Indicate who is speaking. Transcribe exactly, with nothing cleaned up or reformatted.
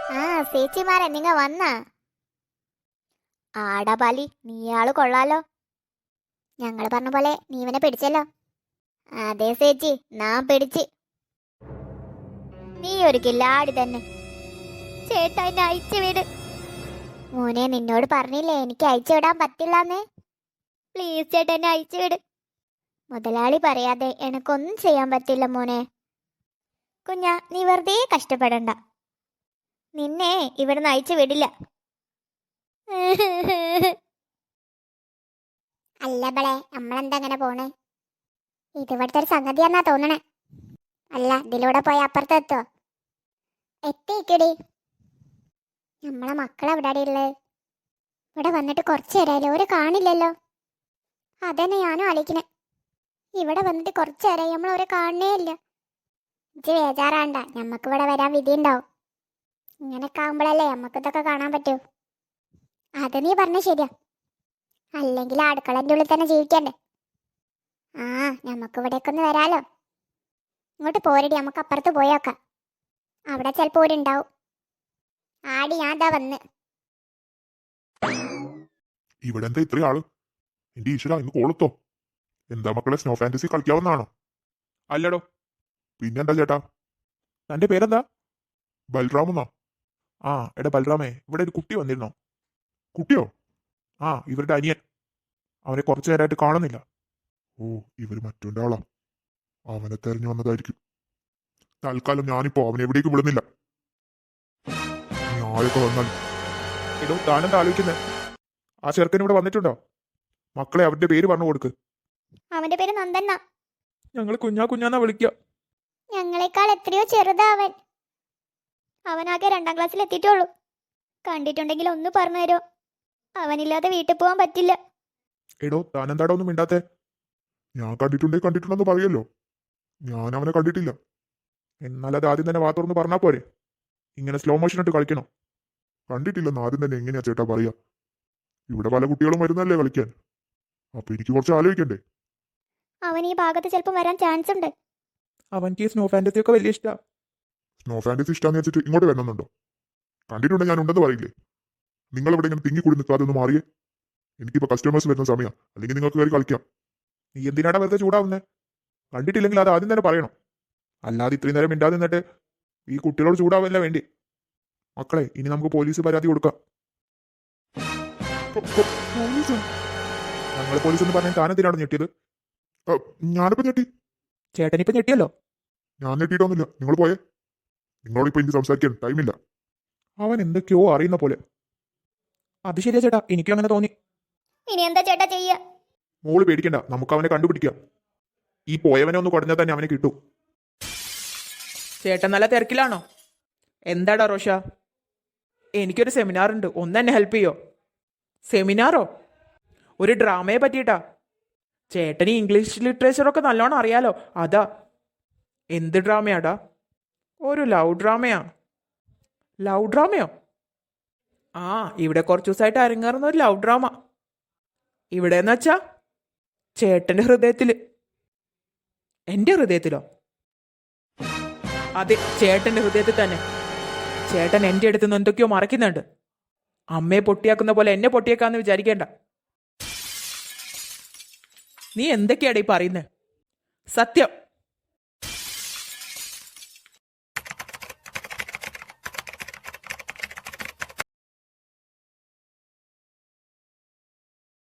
Speaker 1: ആ ചേച്ചിമാരെ നിങ്ങ വന്ന ആടാ ബാലി നീയാള് കൊള്ളാലോ. ഞങ്ങള് പറഞ്ഞ പോലെ നീ ഇവനെ പിടിച്ചല്ലോ. അതെ ചേച്ചി, നാം പിടിച്ച്. നീ ഒരു കില്ലാടി തന്നെ. ചേട്ടാ എന്നെ അയച്ചു വിട്. മോനെ നിന്നോട് പറഞ്ഞില്ലേ എനിക്ക് അയച്ചു വിടാൻ പറ്റില്ലെന്ന്. പ്ലീസ് ചേട്ടാ എന്നെ അയച്ചു വിട്. മുതലാളി പറയാതെ എനക്കൊന്നും ചെയ്യാൻ പറ്റില്ല മോനെ. കുഞ്ഞാ നീ വെറുതെ കഷ്ടപ്പെടണ്ട. നിന്നെ ഇവിടുന്ന് അയച്ചു വിടില്ല. അല്ല ബളെ, നമ്മളെന്താ അങ്ങനെ പോണേ? ഇത് ഇവിടുത്തെ ഒരു സംഗതിയാന്നാ തോന്നണേ. അല്ല ഇതിലൂടെ പോയി അപ്പുറത്തെത്തോ? എത്തിക്കടി. നമ്മളെ മക്കളെവിടാടി ഉള്ളത്? ഇവിടെ വന്നിട്ട് കുറച്ച് നേരമായാലും ഒരു കാണില്ലല്ലോ. അതന്നെ ഞാനും ആലോചിക്കണേ. ഇവിടെ വന്നിട്ട് കുറച്ച് നേരമായി നമ്മൾ ഒരു കാണണേ ഇല്ല. ഇജ്ജ് ബേജാറാണ്ട, ഞമ്മക്ക് ഇവിടെ വരാൻ വിധി ഉണ്ടാവും. ഇങ്ങനെയൊക്കെ ആകുമ്പോഴല്ലേ നമുക്ക് ഇതൊക്കെ കാണാൻ പറ്റൂ. അത് നീ പറഞ്ഞ ശരിയാ. അല്ലെങ്കിൽ അടുക്കളൻ്റെ ഉള്ളിൽ തന്നെ ജീവിക്കണ്ടേ. ആ ഞമ്മക്ക് ഇവിടേക്ക് ഒന്ന് വരാലോ. ഇങ്ങോട്ട് പോരടി, നമുക്ക് അപ്പുറത്ത് പോയോക്കാം. അവിടെ ചിലപ്പോൾ ഒരു ഉണ്ടാവും. ആടി ഞാൻ ദാ വന്ന്.
Speaker 2: ഇവിടെ എന്താ ഇത്രയും ആള്? എന്റെ ഈശ്വര, ഇന്ന് കോളത്തോ? എന്താ മക്കളെ, സ്നോ ഫാന്റസി കളിക്കാവുന്നതാണോ?
Speaker 3: അല്ലടോ.
Speaker 2: പിന്നെന്താ ചേട്ടാ?
Speaker 3: തന്റെ പേരെന്താ?
Speaker 2: ബൽറാമെന്നാ.
Speaker 3: ആ എടാ ബൽറാമേ, ഇവിടെ ഒരു കുട്ടി വന്നിരുന്നോ?
Speaker 2: കുട്ടിയോ?
Speaker 3: ആ ഇവരുടെ അനിയൻ. അവനെ കുറച്ചു നേരമായിട്ട് കാണുന്നില്ല.
Speaker 2: ഓ, ഇവര് മറ്റൊന്റെ ആളാ. അവനെ തെരഞ്ഞു വന്നതായിരിക്കും. തൽക്കാലം ഞാനിപ്പോ അവനെ എവിടേക്കും വിടുന്നില്ല. നീ ആരൊക്കെ വന്നാൽ
Speaker 3: എടോ താനെന്താ ആലോചിക്കുന്നേ? ആ ചെറുക്കൻ ഇവിടെ വന്നിട്ടുണ്ടോ? മക്കളെ അവന്റെ പേര് പറഞ്ഞു കൊടുക്ക്.
Speaker 1: അവന്റെ പേര് നന്ദന്ന.
Speaker 3: ഞങ്ങൾ കുഞ്ഞാ കുഞ്ഞാന്നാ വിളിക്കുക.
Speaker 1: ഞങ്ങളെക്കാൾ എത്രയോ ചെറുതാ അവൻ. അവനാകെ രണ്ടാം ക്ലാസ്സിൽ എത്തിയിട്ടുള്ളൂ. കണ്ടിട്ടുണ്ടെങ്കിൽ ഒന്ന് പറഞ്ഞു തരോ? അവനില്ലാതെ വീട്ടിൽ പോകാൻ പറ്റില്ല.
Speaker 3: എടോ താനെന്താടോ ഒന്നും മിണ്ടാത്തെ?
Speaker 2: ഞാൻ കണ്ടിട്ടുണ്ടേ കണ്ടിട്ടുണ്ടെന്ന് പറയല്ലോ. ഞാൻ അവനെ കണ്ടിട്ടില്ല.
Speaker 3: എന്നാൽ അത് ആദ്യം തന്നെ വാ തുറന്ന് പറഞ്ഞാ പോരെ? ഇങ്ങനെ സ്ലോ മോഷൻ ഇട്ട് കളിക്കണോ?
Speaker 2: കണ്ടിട്ടില്ലെന്ന് ആദ്യം തന്നെ എങ്ങനെയാ ചേട്ടാ പറയാ? ഇവിടെ പല കുട്ടികളും വരുന്നല്ലേ കളിക്കാൻ. അപ്പൊ എനിക്ക് കുറച്ച് ആലോചിക്കണ്ടേ?
Speaker 1: അവൻ ഈ ഭാഗത്ത് ചിലപ്പോൾ വരാൻ ചാൻസ് ഉണ്ട്.
Speaker 3: അവൻക്ക് ഈ സ്നോ ഫാന്റസി ഒക്കെ വലിയ ഇഷ്ടാ.
Speaker 2: സ്നോ ഫാന്റസി ഇഷ്ടാന്ന് വെച്ചിട്ട് ഇങ്ങോട്ട് വരണമെന്നുണ്ടോ? കണ്ടിട്ടുണ്ടെങ്കിൽ ഞാൻ ഉണ്ടെന്ന് പറയില്ലേ? നിങ്ങൾ ഇവിടെ ഇങ്ങനെ തിങ്ങി കൂടി നിൽക്കാതെ ഒന്ന് മാറിയേ. എനിക്കിപ്പോ കസ്റ്റമേഴ്സ് വരുന്ന സമയം, അല്ലെങ്കിൽ നിങ്ങൾക്ക് കയറി കളിക്കാം.
Speaker 3: നീ എന്തിനാടാ വെറുതെ ചൂടാവുന്നേ? കണ്ടിട്ടില്ലെങ്കിൽ അത് ആദ്യം തന്നെ പറയണം. അല്ലാതെ ഇത്രയും നേരം മിണ്ടാതെ നിന്നിട്ട് ഈ കുട്ടികളോട് ചൂടാവല്ല വേണ്ടി. മക്കളെ ഇനി നമുക്ക് പോലീസ് പരാതി കൊടുക്കാം. ഞങ്ങൾ പോലീസ് എന്ന് പറഞ്ഞാൽ താനെന്തിനാണ് ഞെട്ടിയത്?
Speaker 2: ഞാനിപ്പോ ഞെട്ടി.
Speaker 3: ചേട്ടനിപ്പോ ഞെട്ടിയല്ലോ.
Speaker 2: ഞാൻ ഞെട്ടിയിട്ടൊന്നുമില്ല. നിങ്ങൾ പോയേ. നിങ്ങളോട് ഇപ്പൊ എനിക്ക് സംസാരിക്കാൻ ടൈമില്ല.
Speaker 3: അവൻ എന്തൊക്കെയോ അറിയുന്ന പോലെ. അത് ശരിയാ ചേട്ടാ, എനിക്കും അങ്ങനെ തോന്നി.
Speaker 1: ഇനി എന്താ ചേട്ടാ ചെയ്യ?
Speaker 3: മോള് പേടിക്കണ്ട, നമുക്ക് അവനെ കണ്ടുപിടിക്കാം. ഈ പോയവനെ ഒന്ന് കുടഞ്ഞാൽ തന്നെ അവനെ കിട്ടും. ചേട്ടൻ നല്ല തിരക്കിലാണോ? എന്താടാ റോഷ? എനിക്കൊരു സെമിനാർ ഉണ്ട്, ഒന്ന് എന്നെ ഹെൽപ്പ് ചെയ്യോ? സെമിനാറോ? ഒരു ഡ്രാമയെ പറ്റിയിട്ടാ. ചേട്ടന് ഇംഗ്ലീഷ് ലിറ്ററേച്ചറൊക്കെ നല്ലോണം അറിയാലോ, അതാ. എന്ത് ഡ്രാമയാടാ? ഒരു ലവ് ഡ്രാമയാ. ലവ് ഡ്രാമയോ? ആ ഇവിടെ കുറച്ചു ദിവസമായിട്ട് അരങ്ങേറുന്ന ഒരു ലവ് ഡ്രാമ. ഇവിടെ എന്ന് വെച്ചാ ചേട്ടന്റെ ഹൃദയത്തില്. എന്റെ ഹൃദയത്തിലോ? അതെ, ചേട്ടന്റെ ഹൃദയത്തിൽ തന്നെ. ചേട്ടൻ എന്റെ അടുത്ത് നിന്ന് എന്തൊക്കെയോ മറക്കുന്നുണ്ട്. അമ്മയെ പൊട്ടിയാക്കുന്ന പോലെ എന്നെ പൊട്ടിയേക്കാന്ന് വിചാരിക്കേണ്ട. നീ എന്തൊക്കെയാടാ ഈ പറയുന്നേ? സത്യം